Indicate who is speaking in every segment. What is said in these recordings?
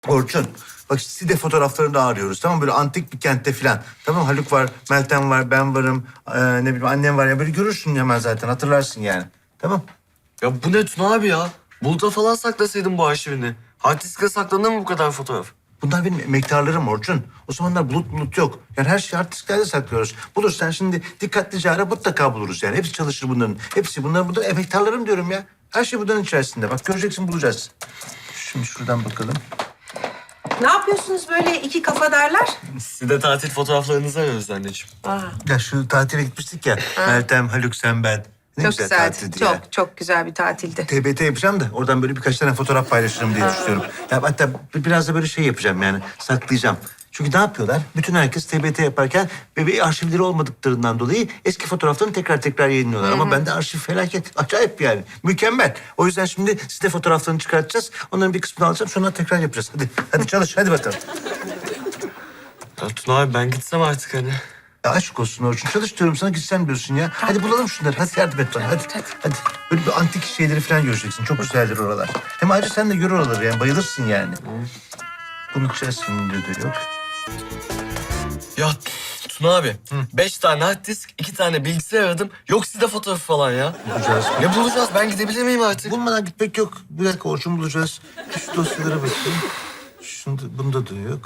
Speaker 1: Orçun, bak Side fotoğraflarını da arıyoruz. Tamam böyle antik bir kentte falan. Tamam Haluk var, Meltem var, ben varım. Ne bileyim annem var ya. Böyle görürsün hemen zaten hatırlarsın yani. Tamam.
Speaker 2: Ya bu ne Tuna abi ya? Bulut'a falan saklasaydın bu arşivini. Hard diske saklanır mı bu kadar fotoğraf?
Speaker 1: Bunlar benim emektarlarım Orçun. O zamanlar bulut yok. Yani her şeyi hard disklerde saklıyoruz. Bulursan şimdi dikkatlice ara mutlaka buluruz yani. Hepsi çalışır bunların. Hepsi bunların emektarlarım diyorum ya. Her şey bunların içerisinde. Bak göreceksin bulacağız. Şimdi şuradan bakalım.
Speaker 3: Ne yapıyorsunuz böyle iki kafadarlar?
Speaker 2: Siz de tatil fotoğraflarınızı arıyoruz anneciğim.
Speaker 1: Ya şu tatile gitmiştik ya. Meltem, Haluk, sen, ben. Ne
Speaker 3: Çok
Speaker 1: güzel
Speaker 3: güzeldi.
Speaker 1: tatildi ya.
Speaker 3: Çok güzel bir tatildi.
Speaker 1: TBT yapacağım da oradan böyle birkaç tane fotoğraf paylaşırım diye düşünüyorum. Ya hatta biraz da böyle şey yapacağım yani saklayacağım. Çünkü ne yapıyorlar? Bütün herkes TBT yaparken bir arşivleri olmadıklarından dolayı eski fotoğraflarını tekrar yayınlıyorlar. Ama bende arşiv felaket. Acayip yani. Mükemmel. O yüzden şimdi Side fotoğraflarını çıkartacağız. Onların bir kısmını alacağım. Sonra tekrar yapacağız. Hadi çalış. Hadi bakalım.
Speaker 2: Ya Tuna abi ben gitsem artık hani.
Speaker 1: Ya aşk olsun Orçun. Çalış diyorum sana gitsen diyorsun ya. Hadi bulalım şunları. Hadi yardım et bana. Hadi. Böyle bir antik şeyleri falan göreceksin. Çok güzeldir oralar. Hem ayrıca sen de gör oraları yani. Bayılırsın yani. Bunun içerisinde de yok.
Speaker 2: Ya Tuna abi 5 tane hard disk, 2 tane bilgisayar aradım. Yok sizde fotoğrafı falan ya.
Speaker 1: Bulacağız.
Speaker 2: Ne bulacağız? Ben gidebilir miyim artık?
Speaker 1: Bulmadan gitmek yok. Bir dakika Orçun bulacağız. Şu dosyalara bakayım. Bunda da yok.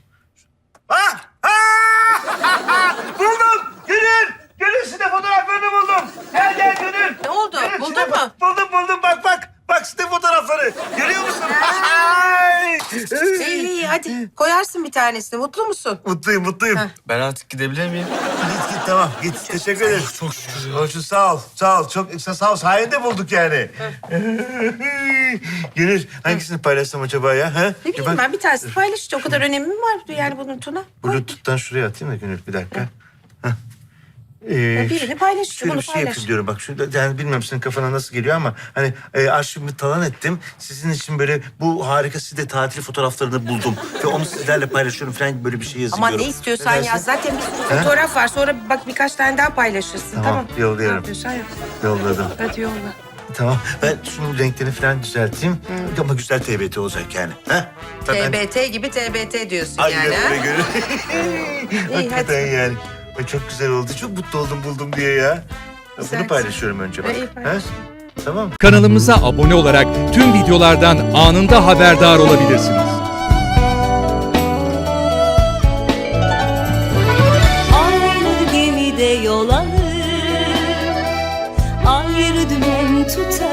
Speaker 1: Buldum! Gönül! Gönül Side fotoğraflarını buldum. Gel Gönül.
Speaker 3: Ne oldu?
Speaker 1: Gönül,
Speaker 3: Buldun
Speaker 1: Side-
Speaker 3: mu?
Speaker 1: Buldum bak. Bak Side fotoğrafları. Görüyor musun? Ay!
Speaker 3: İyi hadi koyarsın bir tanesini. Mutlu musun?
Speaker 1: Mutluyum.
Speaker 2: Ben artık gidebilir miyim?
Speaker 1: Git tamam git. Teşekkür ederim.
Speaker 2: Çok şükür ya.
Speaker 1: Orçun sağ ol. Çok sağ ol. Sayende bulduk yani. Gönül hangisini paylaşsam acaba ya? Ha?
Speaker 3: Ne bileyim ben bir tanesini paylaşınca o kadar önemi mi var yani bunun Tuna? Koy.
Speaker 1: Bluetooth'tan şuraya atayım da Gönül bir dakika. Heh.
Speaker 3: Birini paylaş,
Speaker 1: Şöyle
Speaker 3: bunu
Speaker 1: bir şey
Speaker 3: paylaş.
Speaker 1: yapayım diyorum bak. Şurada, yani bilmiyorum senin kafana nasıl geliyor ama hani arşivimi talan ettim. Sizin için böyle bu harika Side tatil fotoğraflarını buldum. Ve onu sizlerle paylaşıyorum falan gibi böyle bir şey yazıyorum.
Speaker 3: Ama ne istiyorsan
Speaker 1: dersin?
Speaker 3: yaz. Zaten bir sürü fotoğraf var. Sonra bak birkaç tane daha paylaşırsın.
Speaker 1: Tamam, yolluyorum.
Speaker 3: Ne yapıyorsan yap.
Speaker 1: Yolladım.
Speaker 3: Hadi yolla.
Speaker 1: Tamam. Ben şunun renklerini falan düzelteyim. Ama güzel TBT olacak yani. Ha? Zaten-
Speaker 3: TBT gibi TBT diyorsun
Speaker 1: Aynen
Speaker 3: yani ha?
Speaker 1: öyle görünüyor.
Speaker 3: İyi,
Speaker 1: Hakikaten
Speaker 3: hadi.
Speaker 1: yani. Ay, çok güzel oldu. Çok mutlu oldum buldum diye ya. Bunu
Speaker 3: Güzel.
Speaker 1: paylaşıyorum önce bak.
Speaker 3: İyi, paylaş.
Speaker 1: Ha? Tamam.
Speaker 4: Kanalımıza abone olarak tüm videolardan anında haberdar olabilirsiniz.
Speaker 5: Aynı gemide yol alır, ayrı dümen tutar.